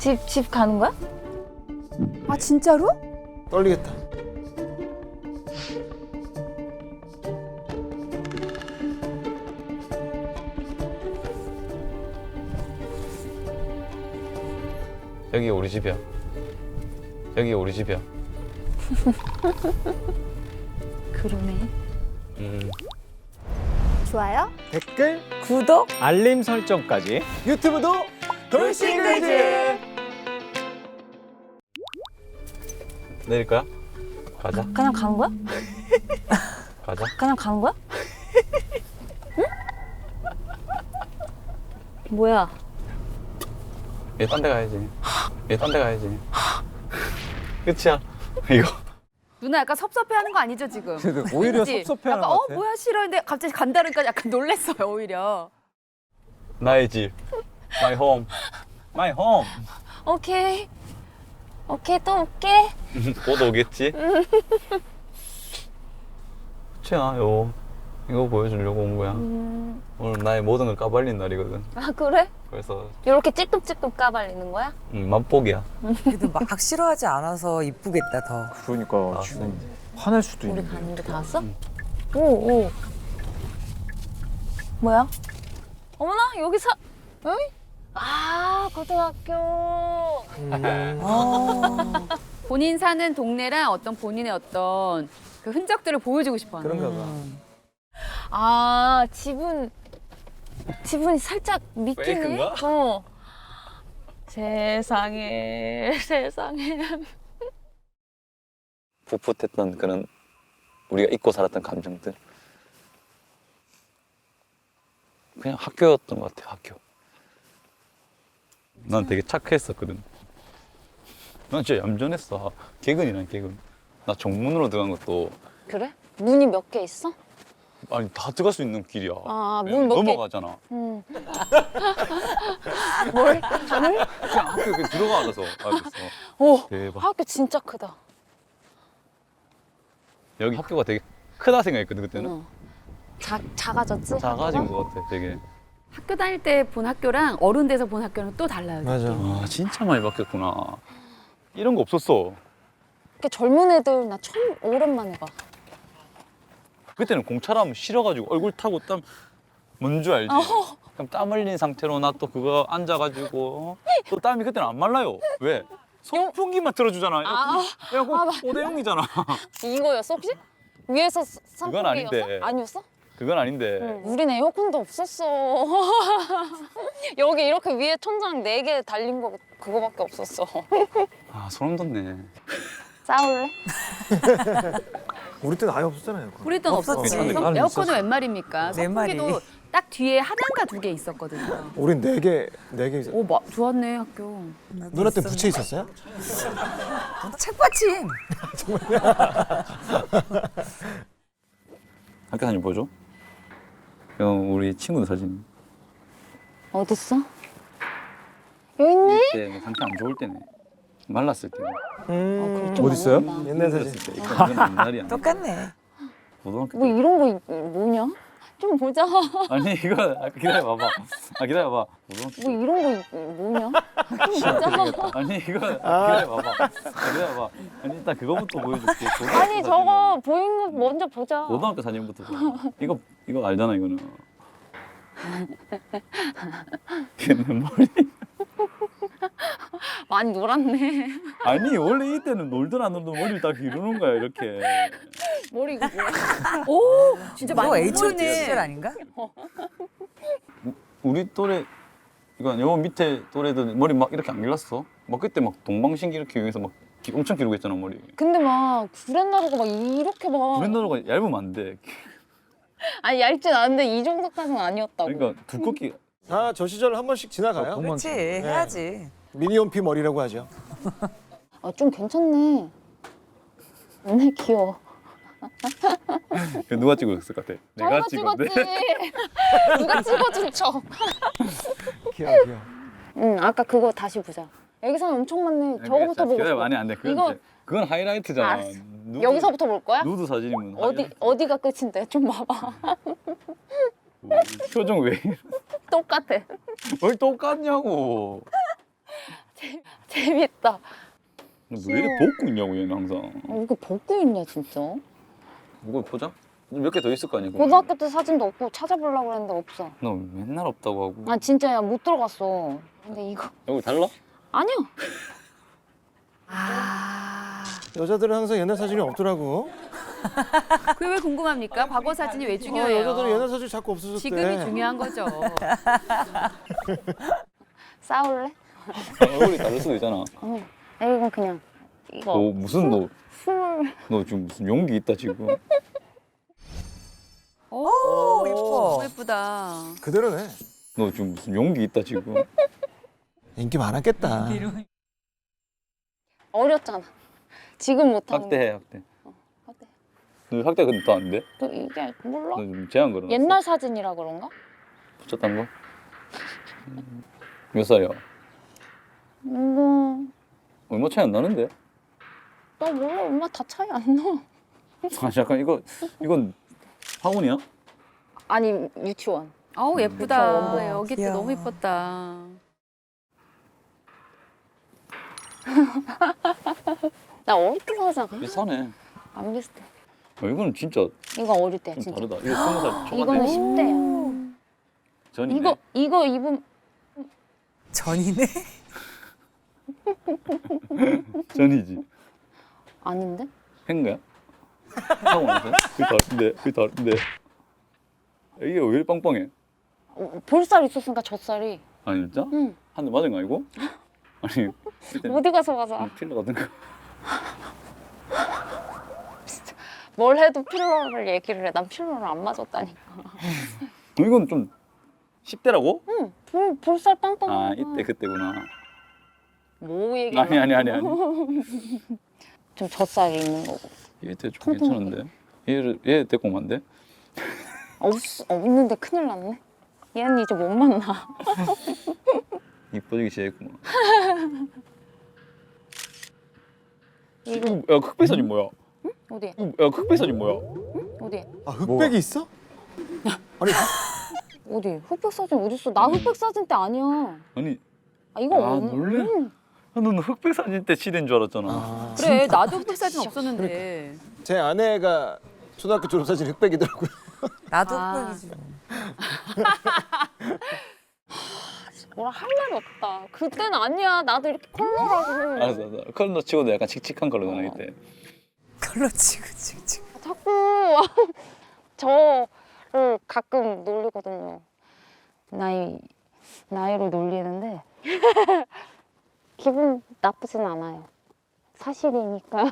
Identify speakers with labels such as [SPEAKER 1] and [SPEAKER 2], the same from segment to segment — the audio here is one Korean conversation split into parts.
[SPEAKER 1] 집 가는 거야?
[SPEAKER 2] 아 진짜로?
[SPEAKER 3] 떨리겠다.
[SPEAKER 4] 여기 우리 집이야. 여기 우리 집이야.
[SPEAKER 1] 그러네.
[SPEAKER 2] 좋아요?
[SPEAKER 3] 댓글,
[SPEAKER 2] 구독?
[SPEAKER 5] 알림 설정까지.
[SPEAKER 3] 유튜브도 돌싱글즈.
[SPEAKER 4] 내릴 거야? 가자.
[SPEAKER 1] 그냥 간 거야?
[SPEAKER 4] 가자.
[SPEAKER 1] 그냥 간 거야? 응? 뭐야?
[SPEAKER 4] 얘 딴 데 가야지. 얘 딴 데 가야지. 끝이야. 이거.
[SPEAKER 2] 누나 약간 섭섭해하는 거 아니죠 지금?
[SPEAKER 5] 오히려
[SPEAKER 2] 그치?
[SPEAKER 5] 섭섭해하는
[SPEAKER 2] 약간
[SPEAKER 5] 것 같아.
[SPEAKER 2] 뭐야 싫어했는데 갑자기 간다니까 약간 놀랬어요 오히려.
[SPEAKER 4] 나의 집. My home. My home.
[SPEAKER 1] 오케이. 오케이, 또 올게.
[SPEAKER 4] 곧 오겠지? 최야, 이거 보여주려고 온 거야. 오늘 나의 모든 걸 까발린 날이거든.
[SPEAKER 1] 아, 그래?
[SPEAKER 4] 그래서
[SPEAKER 1] 이렇게 찔끔찔끔 까발리는 거야?
[SPEAKER 4] 맛보기야.
[SPEAKER 6] 그래도 막 싫어하지 않아서 이쁘겠다 더.
[SPEAKER 5] 그러니까 지금 화낼 수도
[SPEAKER 1] 우리
[SPEAKER 5] 있는데.
[SPEAKER 1] 가는데 다 왔어? 오. 뭐야? 어머나, 여기 응? 아, 고등학교.
[SPEAKER 2] 본인 사는 동네랑 어떤 본인의 어떤 그 흔적들을 보여주고 싶어하는
[SPEAKER 3] 그런가
[SPEAKER 2] 거예요.
[SPEAKER 3] 봐.
[SPEAKER 1] 아, 지분이 살짝 믿기네?
[SPEAKER 4] 페이크인가?
[SPEAKER 1] 어. 세상에.
[SPEAKER 4] 풋풋했던 그런 우리가 잊고 살았던 감정들. 그냥 학교였던 것 같아, 학교. 난 되게 착했었거든. 난 진짜 얌전했어. 개근이란 개근. 나 정문으로 들어간 것도
[SPEAKER 1] 그래? 문이 몇 개 있어?
[SPEAKER 4] 아니 다 들어갈 수 있는 길이야.
[SPEAKER 1] 아,
[SPEAKER 4] 그냥
[SPEAKER 1] 문 몇 개?
[SPEAKER 4] 넘어가잖아.
[SPEAKER 1] 뭘? 잠을?
[SPEAKER 4] 그냥 학교 그냥 들어가 알아서. 알겠어.
[SPEAKER 1] 오,
[SPEAKER 4] 대박.
[SPEAKER 1] 학교 진짜 크다.
[SPEAKER 4] 여기 학교가 되게 크다 생각했거든 그때는.
[SPEAKER 1] 응. 작아졌지?
[SPEAKER 4] 작아진 것 같아 되게.
[SPEAKER 2] 학교 다닐 때 본 학교랑 어른 돼서 본 학교는 또 달라요.
[SPEAKER 3] 맞아.
[SPEAKER 4] 아 진짜 많이 바뀌었구나. 이런 거 없었어.
[SPEAKER 1] 이렇게 젊은 애들 나 처음 오랜만에 봐.
[SPEAKER 4] 그때는 공차라면 싫어가지고 얼굴 타고 땀 뭔 줄 알지? 그럼 땀 흘린 상태로 나 또 그거 앉아가지고 또 땀이 그때는 안 말라요. 왜? 선풍기만 틀어주잖아. 에어컨 5대0이잖아.
[SPEAKER 1] 이거였어 혹시? 위에서 선풍기였어?
[SPEAKER 4] 그건 아닌데.
[SPEAKER 1] 아니었어?
[SPEAKER 4] 그건 아닌데.
[SPEAKER 1] 응. 우린 에어컨도 없었어. 여기 이렇게 위에 천장 4개 달린 거 그거밖에 없었어.
[SPEAKER 4] 아 소름 돋네.
[SPEAKER 1] 싸울래?
[SPEAKER 3] 우리 때는 아예 없었잖아요.
[SPEAKER 2] 우리 때는
[SPEAKER 6] 없었지.
[SPEAKER 2] 없었지.
[SPEAKER 4] 나는
[SPEAKER 2] 에어컨은 웬 말입니까?
[SPEAKER 6] 네 마리.
[SPEAKER 2] 선풍기도 딱 뒤에 하나인가 2개 있었거든요.
[SPEAKER 3] 우린 4개 있었어요.
[SPEAKER 2] 오, 좋았네 학교.
[SPEAKER 3] 누나 때 부채 있었어요?
[SPEAKER 6] 책받침.
[SPEAKER 4] 학교 사진 보여줘? 형 우리 친구들 사진.
[SPEAKER 1] 어딨어? 여기 있네?
[SPEAKER 4] 그때 상태 안 좋을 때네. 말랐을 때네.
[SPEAKER 1] 좀
[SPEAKER 5] 어디 있어요?
[SPEAKER 1] 많았다.
[SPEAKER 3] 옛날 사진.
[SPEAKER 4] 어렸을 때. 이건 옛날이야.
[SPEAKER 6] 똑같네.
[SPEAKER 4] 고등학교
[SPEAKER 1] 뭐
[SPEAKER 4] 때.
[SPEAKER 1] 이런 거 뭐냐? 좀 보자.
[SPEAKER 4] 아니 이거 기다려봐봐. 기다려봐. 고등학교
[SPEAKER 1] 뭐 이런 거 뭐냐? 좀 보자.
[SPEAKER 4] 아니 이거 기다려봐봐. 기다려봐. 아니 일단 그거부터 보여줄게. 고등학교
[SPEAKER 1] 아니
[SPEAKER 4] 사진은.
[SPEAKER 1] 저거 보이는 거 먼저 보자.
[SPEAKER 4] 고등학교 사진부터 봐. 이거 알잖아 이거는. 걔는 머리.
[SPEAKER 1] 많이 놀았네.
[SPEAKER 4] 아니 원래 이때는 놀든 안 놀든 머리를 딱 기르는 거야 이렇게.
[SPEAKER 1] 머리 이거 뭐야?
[SPEAKER 2] 오, 진짜
[SPEAKER 6] 뭐
[SPEAKER 2] 많이
[SPEAKER 6] H.O.T
[SPEAKER 2] 보이네.
[SPEAKER 6] 시절 아닌가?
[SPEAKER 4] 우리 또래 이거 요 밑에 또래들 머리 막 이렇게 안 길렀어? 막 그때 막 동방신기 이렇게 위해서 막 엄청 기르고 했잖아 머리.
[SPEAKER 1] 근데 막 구렛나루가 막 이렇게 막
[SPEAKER 4] 브랜드가 얇으면 안 돼.
[SPEAKER 1] 아니 얇진 않은데 이 정도까지는 아니었다고.
[SPEAKER 4] 그러니까 두껍게.
[SPEAKER 3] 아, 저 시절 한 번씩 지나가요.
[SPEAKER 6] 그렇지 해야지.
[SPEAKER 3] 미니홈피 머리라고 하죠.
[SPEAKER 1] 좀 괜찮네. 맨날 귀여워.
[SPEAKER 4] 그 누가 찍었을 것 같아? 내가 찍었는데.
[SPEAKER 1] 찍었지. 누가 찍어준 척.
[SPEAKER 3] 귀여워.
[SPEAKER 1] 응, 아까 그거 다시 보자. 여기서는 엄청 많네. 저거부터 보고
[SPEAKER 4] 기다려
[SPEAKER 1] 싶어.
[SPEAKER 4] 많이 안 돼. 그건,
[SPEAKER 1] 이거-
[SPEAKER 4] 이제, 그건 하이라이트잖아.
[SPEAKER 1] 알았어. 여기서부터 볼 거야?
[SPEAKER 4] 누드 사진이면 하이라이트.
[SPEAKER 1] 어디가 끝인데? 좀 봐봐.
[SPEAKER 4] 표정 왜 이래?
[SPEAKER 1] 똑같아.
[SPEAKER 4] 왜 똑같냐고.
[SPEAKER 1] 재밌다.
[SPEAKER 4] 왜 이래 벗고 있냐고 얘는 항상.
[SPEAKER 1] 이거 벗고 있냐 진짜?
[SPEAKER 4] 이거 보자. 몇 개 더 있을 거 아니야.
[SPEAKER 1] 고등학교 때 사진도 없고 찾아보려고 했는데 없어.
[SPEAKER 4] 너 맨날 없다고 하고.
[SPEAKER 1] 아 진짜야 못 들어갔어. 근데 이거
[SPEAKER 4] 여기 달라?
[SPEAKER 1] 아니야.
[SPEAKER 3] 여자들은 항상 옛날 사진이 없더라고.
[SPEAKER 2] 그게 왜 궁금합니까? 과거 사진이 왜
[SPEAKER 3] 여자들은
[SPEAKER 2] 중요해요?
[SPEAKER 3] 옛날 사진이 자꾸 없어졌대.
[SPEAKER 2] 지금이 중요한 거죠.
[SPEAKER 1] 싸울래?
[SPEAKER 4] 얼굴이 다를 수도 있잖아.
[SPEAKER 1] 이건 그냥 이거
[SPEAKER 4] 너 무슨
[SPEAKER 1] 스물.
[SPEAKER 4] 너 지금 무슨 용기 있다 지금.
[SPEAKER 2] 오,
[SPEAKER 6] 예뻐.
[SPEAKER 2] 너무 예쁘다.
[SPEAKER 3] 그대로네.
[SPEAKER 4] 너 지금 무슨 용기 있다 지금.
[SPEAKER 3] 인기 많았겠다.
[SPEAKER 1] 어렸잖아. 지금 못하는
[SPEAKER 4] 학대해 학대.
[SPEAKER 1] 학대.
[SPEAKER 4] 너 학대 근데 또 안 돼?
[SPEAKER 1] 그 이게 몰라.
[SPEAKER 4] 너 지금 제한 걸어놨어?
[SPEAKER 1] 옛날 사진이라 그런가?
[SPEAKER 4] 붙였단 거? 몇 살이야? 얼마 차이 안 나는데?
[SPEAKER 1] 나 몰라. 엄마 다 차이 안 나.
[SPEAKER 4] 아 잠깐 이건 학원이야?
[SPEAKER 1] 아니 유치원.
[SPEAKER 2] 아우
[SPEAKER 1] 그쵸,
[SPEAKER 2] 예쁘다.
[SPEAKER 1] 원본.
[SPEAKER 2] 여기 또
[SPEAKER 6] 귀여워.
[SPEAKER 2] 너무 예뻤다.
[SPEAKER 1] 나 어릴 때 사진
[SPEAKER 4] 비슷하네.
[SPEAKER 1] 안 비슷해.
[SPEAKER 4] 이거는 진짜
[SPEAKER 1] 이거 어릴 때야
[SPEAKER 4] 좀
[SPEAKER 1] 진짜.
[SPEAKER 4] 다르다. 이거 20살 초반에
[SPEAKER 1] 이거는 10대야.
[SPEAKER 4] 전이네.
[SPEAKER 1] 이거 입은
[SPEAKER 6] 전이네.
[SPEAKER 4] 전이지.
[SPEAKER 1] 아닌데?
[SPEAKER 4] 한 거야? 학원에서? 그게 다른데. 이게 왜 이렇게 빵빵해?
[SPEAKER 1] 볼살 있었으니까 젖살이.
[SPEAKER 4] 아니 진짜?
[SPEAKER 1] 응.
[SPEAKER 4] 한 대 맞은 거 아니고? 아니 그때
[SPEAKER 1] 어디 가서 맞아.
[SPEAKER 4] 필러 같은 거.
[SPEAKER 1] 뭘 해도 필러를 얘기를 해. 난 필러를 안 맞았다니까.
[SPEAKER 4] 이건 좀 10대라고?
[SPEAKER 1] 응. 볼살 빵빵.
[SPEAKER 4] 아 이때 그때구나.
[SPEAKER 1] 뭐 얘기?
[SPEAKER 4] 아니.
[SPEAKER 1] 좀 젖살이 있는 거고.
[SPEAKER 4] 얘때 좀 괜찮은데. 얘 데리고 오면 안 돼?
[SPEAKER 1] 없는데 큰일 났네. 얘는 이제 못 만나.
[SPEAKER 4] 이뻐지기 시작했구만.
[SPEAKER 1] 이거
[SPEAKER 4] 야 흑백 사진 뭐야?
[SPEAKER 1] 어디?
[SPEAKER 4] 야 흑백 사진 뭐야?
[SPEAKER 1] 어디?
[SPEAKER 3] 아 흑백이 있어? 아니
[SPEAKER 1] 어디? 흑백 사진 어디 있어? 나 흑백 사진 때 아니야.
[SPEAKER 4] 아니
[SPEAKER 1] 아 이거
[SPEAKER 4] 아, 놀래? 너는 흑백 사진 때 시대인 줄 알았잖아.
[SPEAKER 3] 아,
[SPEAKER 2] 그래 나도 흑백 사진 없었는데.
[SPEAKER 3] 제 아내가 초등학교 졸업 사진 흑백이더라고요.
[SPEAKER 6] 나도
[SPEAKER 2] 아.
[SPEAKER 6] 흑백이지.
[SPEAKER 1] 뭐라 할 말이 없다. 그때는 아니야. 나도 이렇게 컬러라고.
[SPEAKER 4] 알았어. 컬러 치고도 약간 칙칙한 컬러잖아 이때.
[SPEAKER 6] 컬러 치고 치고.
[SPEAKER 1] 자꾸 저를 가끔 놀리거든요. 나이로 놀리는데 기분 나쁘진 않아요. 사실이니까.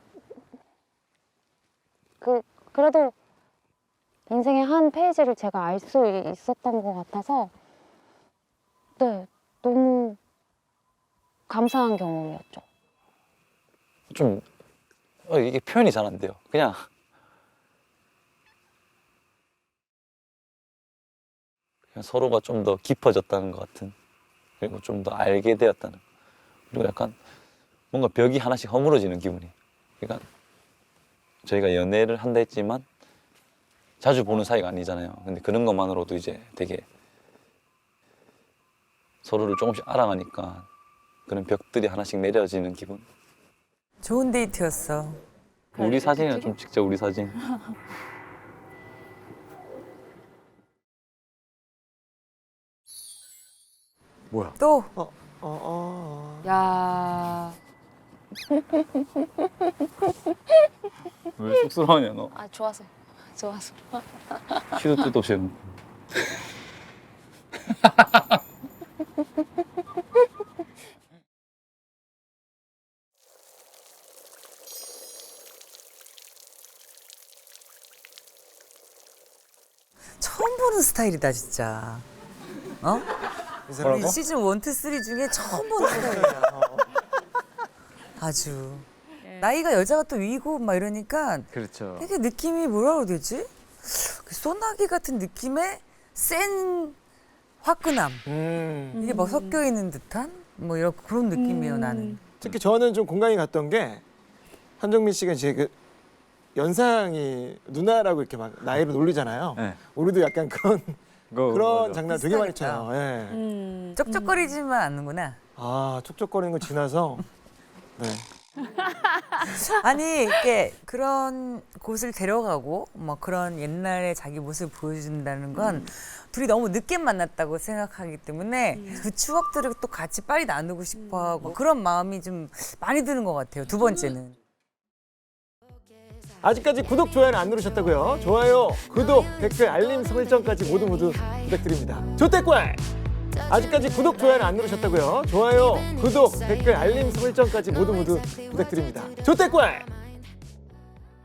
[SPEAKER 1] 그래도 인생의 한 페이지를 제가 알 수 있었던 것 같아서 네, 너무 감사한 경험이었죠.
[SPEAKER 4] 좀 이게 표현이 잘 안 돼요. 그냥 서로가 좀 더 깊어졌다는 것 같은, 그리고 좀 더 알게 되었다는, 그리고 약간 뭔가 벽이 하나씩 허물어지는 기분이. 그러니까 저희가 연애를 한다 했지만 자주 보는 사이가 아니잖아요. 근데 그런 것만으로도 이제 되게 서로를 조금씩 알아가니까 그런 벽들이 하나씩 내려지는 기분.
[SPEAKER 6] 좋은 데이트였어.
[SPEAKER 4] 우리 사진이나 좀 찍자, 우리 사진.
[SPEAKER 3] 뭐야?
[SPEAKER 6] 또
[SPEAKER 2] 야.
[SPEAKER 4] 왜 쑥스러워하냐 너?
[SPEAKER 1] 아 좋아서.
[SPEAKER 4] 키도 뜻도 없이 해놓고.
[SPEAKER 6] 처음 보는 스타일이다 진짜. 어?
[SPEAKER 3] 이 사람
[SPEAKER 6] 우리 시즌 1, 2, 3 중에 처음 보는 스타일이야. 아주. 나이가 여자가 또 위고 막 이러니까
[SPEAKER 5] 그렇죠.
[SPEAKER 6] 되게 느낌이 뭐라 그래야 되지? 그 소나기 같은 느낌의 센 화끈함. 이게 막 섞여 있는 듯한 뭐 이런 그런 느낌이에요 나는.
[SPEAKER 3] 특히 저는 좀 공감이 갔던 게 한정민 씨가 이제 그 연상이 누나라고 이렇게 막 나이로 놀리잖아요.
[SPEAKER 5] 네.
[SPEAKER 3] 우리도 약간 그런
[SPEAKER 5] 그거
[SPEAKER 3] 그런
[SPEAKER 5] 맞아.
[SPEAKER 3] 장난 되게 많이
[SPEAKER 6] 비슷하겠다.
[SPEAKER 3] 쳐요. 예.
[SPEAKER 6] 쩍쩍거리지만 않는구나.
[SPEAKER 3] 아 촉촉거리는 거 지나서 네.
[SPEAKER 6] 아니 이게 그런 곳을 데려가고 뭐 그런 옛날에 자기 모습을 보여준다는 건 둘이 너무 늦게 만났다고 생각하기 때문에 그 추억들을 또 같이 빨리 나누고 싶어하고 그런 마음이 좀 많이 드는 것 같아요. 두 번째는.
[SPEAKER 3] 아직까지 구독 좋아요는 안 누르셨다고요? 좋아요, 구독, 댓글, 알림 설정까지 모두 부탁드립니다. 조태꿀! 아직까지 구독 좋아요는 안 누르셨다고요? 좋아요, 구독, 댓글, 알림 설정까지 모두 부탁드립니다. 조태꿀!